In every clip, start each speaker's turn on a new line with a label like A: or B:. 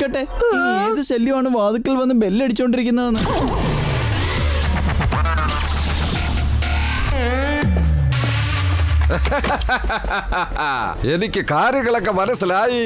A: നോക്കട്ടെ ഇനി ഏത് ശല്യമാണ് വാതുക്കൽ വന്ന് ബെല്ലടിച്ചോണ്ടിരിക്കുന്നതെന്ന്.
B: എനിക്ക് കാര്യങ്ങളൊക്കെ മനസ്സിലായി.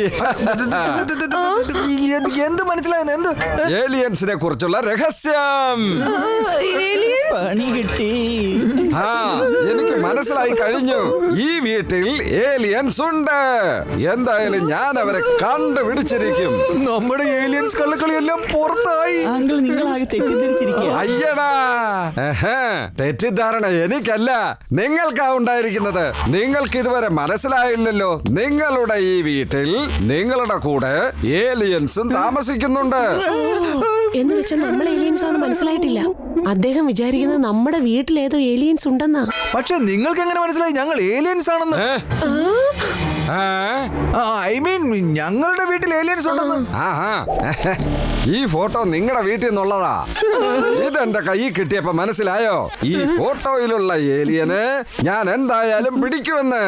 C: എന്ത് മനസ്സിലായെന്ന്? എന്ത്?
B: ഏലിയൻസിനെ കുറിച്ചുള്ള രഹസ്യം.
A: പണി കിട്ടി.
B: ആ, എനിക്ക് മനസ്സിലായി കഴിഞ്ഞു. ഈ വീട്ടിൽ ഏലിയൻസ് ഉണ്ട്. എന്തായാലും ഞാൻ അവരെ കണ്ടുപിടിച്ചിരിക്കും.
C: നമ്മുടെ ഏലിയൻസ് കള്ളക്കളിയെല്ലാം പുറത്തായി.
A: അങ്കിൾ നിങ്ങളാകെ തെറ്റിദ്ധരിച്ചിരിക്കുക.
B: അയ്യടാ, തെറ്റിദ്ധാരണ എനിക്കല്ല, നിങ്ങൾക്കാ ഉണ്ടായിരിക്കുന്നത്. നിങ്ങൾക്ക് ഇതുവരെ മനസ്സിലായില്ലല്ലോ. നിങ്ങളുടെ ഈ വീട്ടിൽ നിങ്ങളുടെ കൂടെ ഏലിയൻസും താമസിക്കുന്നുണ്ട്.
D: എന്ന് വെച്ചാൽ നമ്മൾ ഏലിയൻസ് ആണ് മനസ്സിലായിട്ടില്ല. അദ്ദേഹം വിചാരിക്കുന്നത് നമ്മുടെ വീട്ടിൽ ഏതോ ഏലിയൻസ് ഉണ്ടെന്നാ.
C: പക്ഷെ നിങ്ങൾക്ക് എങ്ങനെ മനസ്സിലായി ഞങ്ങൾ ഏലിയൻസ് ആണെന്ന്? ഐ മീൻ ഞങ്ങളുടെ വീട്ടിൽ ഏലിയൻസ് ഉണ്ടെന്ന്.
B: ഈ ഫോട്ടോ നിങ്ങളുടെ വീട്ടിൽ നിന്നുള്ളതാ. ഇതെന്റെ കയ്യിൽ കിട്ടിയപ്പോ മനസ്സിലായോ? ഈ ഫോട്ടോയിലുള്ള ഏലിയന് ഞാൻ എന്തായാലും പിടിക്കുമെന്ന്.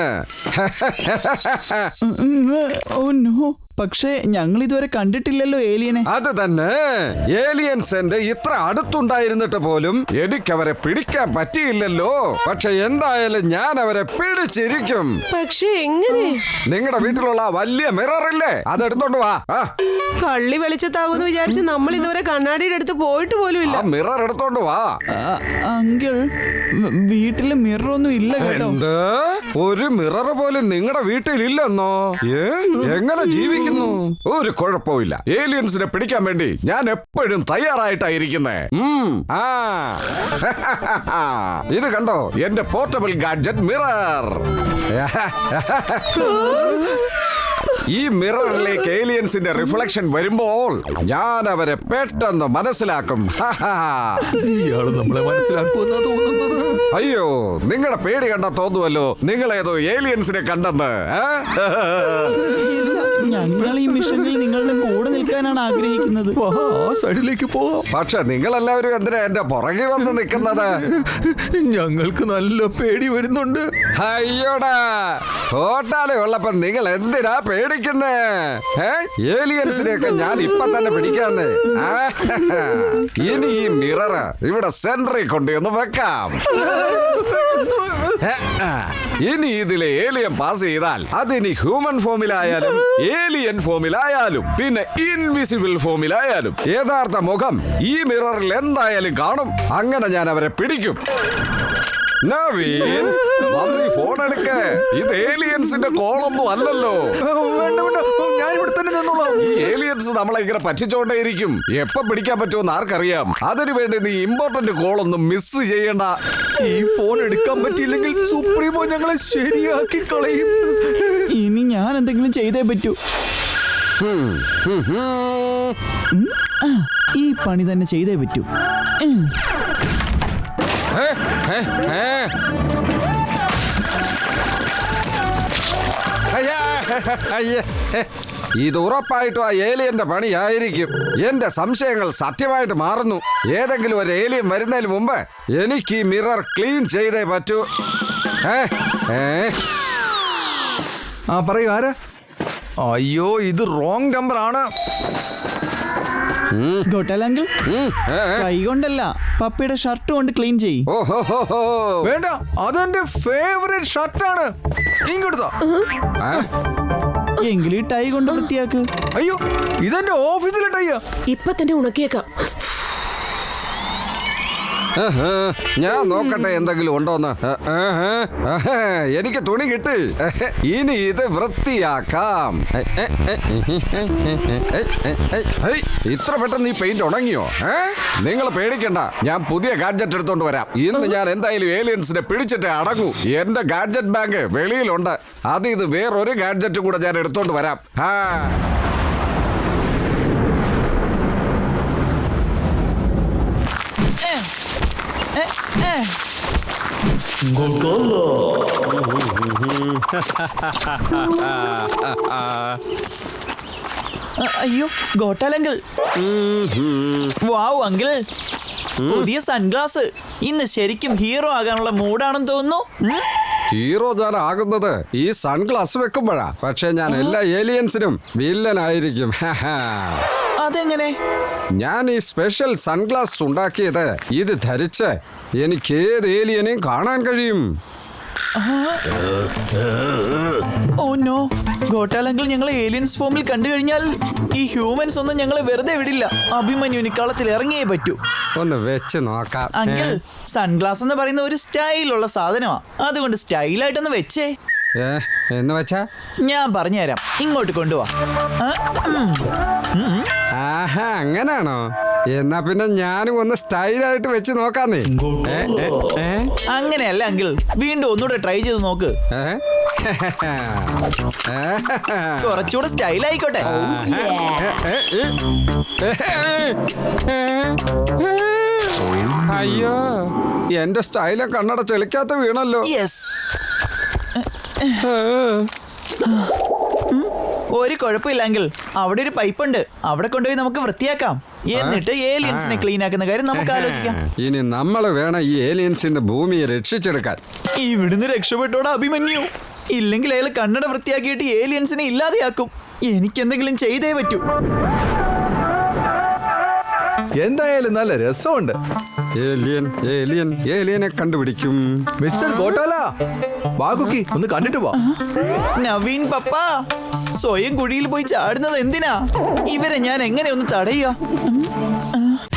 A: ഓ നോ, പക്ഷേ ഞങ്ങൾ ഇതുവരെ കണ്ടിട്ടില്ലല്ലോ ഏലിയനെ.
B: അത് തന്നെ, ഏലിയൻസ് എന്റെ ഇത്ര അടുത്തുണ്ടായിരുന്നിട്ട് പോലും എനിക്കവരെ പിടിക്കാൻ പറ്റിയില്ലല്ലോ. പക്ഷെ എന്തായാലും ഞാൻ അവരെ പിടിച്ചിരിക്കും.
D: പക്ഷെ എങ്ങനെ?
B: നിങ്ങളുടെ വീട്ടിലുള്ള വലിയ മിറർ ഇല്ലേ, അതെടുത്തോണ്ട് വാ.
D: കള്ളി വെളിച്ചത്താകുമെന്ന് വിചാരിച്ച് നമ്മൾ ഇതുവരെ കണ്ണാടിയുടെ അടുത്ത് പോയിട്ട് പോലും ഇല്ല.
B: ആ മിറർ എടുത്തോണ്ട് വാ.
A: അങ്കിൾ വീട്ടില് മിററൊന്നും ഇല്ല കേട്ടോ.
B: എന്ത്? ഒരു മിറർ പോലും നിങ്ങളുടെ വീട്ടിലില്ലെന്നോ? എങ്ങനെ ജീവിക്കുന്നു? ഒരു കുഴപ്പമില്ല. ഏലിയൻസിനെ പിടിക്കാൻ വേണ്ടി ഞാൻ എപ്പോഴും തയ്യാറായിട്ടായിരിക്കുന്നേ. ഇത് കണ്ടോ, എന്റെ പോർട്ടബിൾ ഗാഡ്ജറ്റ് മിറർ. ഈ മിററിലേക്ക് ഏലിയൻസിന്റെ റിഫ്ലക്ഷൻ വരുമ്പോൾ ഞാൻ അവരെ പെട്ടെന്ന് മനസ്സിലാക്കും.
C: ഇയാള് നമ്മളെ മനസ്സിലാക്കുമെന്നാ തോന്നുന്നത്.
B: അയ്യോ, നിങ്ങളുടെ പേടി കണ്ടാ തോന്നുവല്ലോ നിങ്ങൾ ഏതോ ഏലിയൻസിനെ കണ്ടെന്ന്.
A: ഞങ്ങൾ ഈ മിഷനിൽ നിങ്ങളുടെ കൂടെ നിൽക്കാനാണ് ആഗ്രഹിക്കുന്നത്.
C: ആ സൈഡിലേക്ക് പോവാം.
B: പക്ഷെ നിങ്ങളെല്ലാവരും എന്തിനാ എന്റെ പുറകെ വന്ന് നിൽക്കുന്നത്?
C: ഞങ്ങൾക്ക് നല്ല പേടി വരുന്നുണ്ട്.
B: അയ്യോടാ, ഹോട്ടാലെ ഉള്ളപ്പോ നിങ്ങൾ എന്തിനാ പേടിക്കുന്നേ? ഏലിയൻസിനെയൊക്കെ ഞാൻ ഇപ്പൊ തന്നെ പിടിക്കാന്ന്. ഇനി ഈ മിറർ ഇവിടെ സെന്ററിൽ കൊണ്ടുവന്ന് വെക്കാം. ഇനി ഇതിലെ ഏലിയൻ പാസ് ചെയ്താൽ അതിനി ഹ്യൂമൻ ഫോമിലായാലും ഏലിയൻ ഫോമിലായാലും പിന്നെ ഇൻവിസിബിൾ ഫോമിലായാലും യഥാർത്ഥ മുഖം ഈ മിററിൽ എന്തായാലും കാണും. അങ്ങനെ ഞാൻ അവരെ പിടിക്കും. നവീൻ, ഫോൺ എടുക്ക. ഇത് ഏലിയൻസിന്റെ കോളൊന്നും അല്ലല്ലോ.
C: വേണ്ട വേണ്ട, ഞാൻ ഇവിടെ തന്നെ നിന്നോളാം.
B: ഈ ഏലിയൻസ് നമ്മളെ ഇങ്ങനെ പറ്റിച്ചോണ്ടേയിരിക്കും. എപ്പോ പിടിക്കാൻ പറ്റുമെന്ന് ആർക്കറിയാം. അതിനു വേണ്ടി നീ ഇമ്പോർട്ടന്റ് കോളൊന്നും മിസ് ചെയ്യണ്ട.
C: ഈ ഫോൺ എടുക്കാൻ പറ്റിയില്ലെങ്കിൽ സുപ്രീമോ ഞങ്ങളെ ശരിയാക്കി കളയും.
A: ഇനി ഞാൻ എന്തെങ്കിലും ചെയ്തേ പറ്റൂ. ഈ പണി തന്നെ ചെയ്തേ പറ്റൂ.
B: ഇത് ഉറപ്പായിട്ടും ആ ഏലിയന്റെ പണിയായിരിക്കും. എന്റെ സംശയങ്ങൾ സത്യമായിട്ട് മാറുന്നു. ഏതെങ്കിലും ഒരു ഏലിയൻ വരുന്നതിന് മുമ്പ് എനിക്ക് ഈ മിറർ ക്ലീൻ ചെയ്തേ പറ്റൂ.
C: പറയൂ, ആരാ? അയ്യോ, ഇത് റോങ് നമ്പർ ആണ്.
A: ഗോട്ടാലങ്കിൾ, കൈ കൊണ്ടല്ല, പപ്പിയുടെ ഷർട്ട് കൊണ്ട് ക്ലീൻ ചെയ്യ്.
C: വേണ്ട, അതെന്റെ ഫേവറേറ്റ് ഷർട്ടാണ്. ഇങ്ങോട്ടാ.
A: എങ്കിലും ഈ ടൈ കൊണ്ട് വൃത്തിയാക്ക്.
C: അയ്യോ, ഇതെന്റെ ഓഫീസിലെ ടൈയാ.
D: ഇപ്പൊ തന്നെ ഉണക്കിയേക്കാം.
B: ഞാൻ നോക്കട്ടെ എന്തെങ്കിലും ഉണ്ടോന്ന്. എനിക്ക് തുണി കിട്ടി. ഇനി ഇത് വൃത്തിയാക്കാം. ഇത്ര പെട്ടെന്ന് ഈ പെയിന്റ് ഉണങ്ങിയോ? നിങ്ങൾ പേടിക്കണ്ട, ഞാൻ പുതിയ ഗാഡ്ജറ്റ് എടുത്തോണ്ട് വരാം. ഇന്ന് ഞാൻ എന്തായാലും ഏലിയൻസിനെ പിടിച്ചിട്ട് അടങ്ങൂ. എന്റെ ഗാഡ്ജറ്റ് ബാങ്ക് വെളിയിലുണ്ട്. അത് ഇത് വേറൊരു ഗാഡ്ജറ്റ് കൂടെ ഞാൻ എടുത്തോണ്ട് വരാം.
A: അയ്യോ ഗോട്ടാലങ്കിൾ, വാവ് അങ്കിൾ, പുതിയ സൺഗ്ലാസ്. ഇന്ന് ശരിക്കും ഹീറോ ആകാനുള്ള മൂഡാണെന്ന് തോന്നുന്നു.
B: ഹീറോ ഞാൻ ആകുന്നത് ഈ സൺഗ്ലാസ് വെക്കുമ്പോഴാ. പക്ഷെ ഞാൻ എല്ലാ ഏലിയൻസിനും വില്ലനായിരിക്കും.
A: അതെങ്ങനെ?
B: ഞാൻ ഈ സ്പെഷ്യൽ സൺഗ്ലാസ് ഉണ്ടാക്കിയത് ഇത് ധരിച്ച് എനിക്ക് ഏത് ഏലിയനെയും കാണാൻ കഴിയും.
A: ഓ നോ, ഗോട്ടാലങ്കിൾ ഞങ്ങളെ ഏലിയൻസ് ഫോമിൽ കണ്ടു കഴിഞ്ഞാൽ ഈ ഹ്യൂമൻസ് ഒന്നും ഞങ്ങളെ വെറുതെ വിടില്ല. അഭിമന്യുവിന് കളത്തിൽ ഇറങ്ങിയേ പറ്റൂ.
B: ഒന്ന് വെച്ച് നോക്കാം.
A: അങ്കിൾ, സൺഗ്ലാസ് എന്ന് പറയുന്ന ഒരു സ്റ്റൈലുള്ള സാധനമാ. അതുകൊണ്ട് സ്റ്റൈലായിട്ടൊന്ന് വെച്ചേ.
B: എന്ന് വെച്ചാ
A: ഞാൻ പറഞ്ഞുതരാം, ഇങ്ങോട്ട് കൊണ്ടുപോവാ.
B: ആഹാ, അങ്ങനാണോ? എന്നാ പിന്നെ ഞാനും ഒന്ന് സ്റ്റൈലായിട്ട് വെച്ച് നോക്കാന്നേ.
A: അങ്ങനെയല്ല അങ്കിൾ, വീണ്ടും ഒന്നുകൂടെ ട്രൈ ചെയ്ത് നോക്ക്. കുറച്ചുകൂടെ സ്റ്റൈൽ ആയിക്കോട്ടെ.
B: അയ്യോ, എന്റെ സ്റ്റൈലും കണ്ണട ചെളിക്കാത്ത വീണല്ലോ.
A: യെസ്, ഒരു കുഴപ്പമില്ല അങ്കിൾ. അവിടെ ഒരു പൈപ്പ് ഉണ്ട്, അവിടെ കൊണ്ടുപോയി നമുക്ക് വൃത്തിയാക്കാം. എന്നിട്ട് ഏലിയൻസിനെ ക്ലീൻ ആക്കുന്ന കാര്യം നമുക്ക് ആലോചിക്കാം.
B: ഇനി നമ്മൾ വേണം ഈ ഏലിയൻസിന്റെ ഭൂമിയെ രക്ഷിച്ചെടുക്കാൻ.
A: ഇവിടുന്ന് രക്ഷപ്പെട്ടോടെ അഭിമന്യു. ഇല്ലെങ്കിൽ അയാൾ കണ്ണട വൃത്തിയാക്കിയിട്ട് ഏലിയൻസിനെ ഇല്ലാതെയാക്കും. എനിക്കെന്തെങ്കിലും ചെയ്തേ പറ്റൂ.
C: എന്തായാലും നല്ല രസമുണ്ട്.
B: ഏലിയനെ കണ്ടുപിടിക്കും.
C: മിസ്റ്റർ ഗോട്ടാല, വാ കുക്കി, ഒന്ന് കണ്ടിട്ട് പോ.
A: നവീൻ പപ്പ, സ്വയം കുഴിയിൽ പോയി ചാടുന്നത് എന്തിനാ? ഇവരെ ഞാൻ എങ്ങനെ ഒന്ന് തടയുക?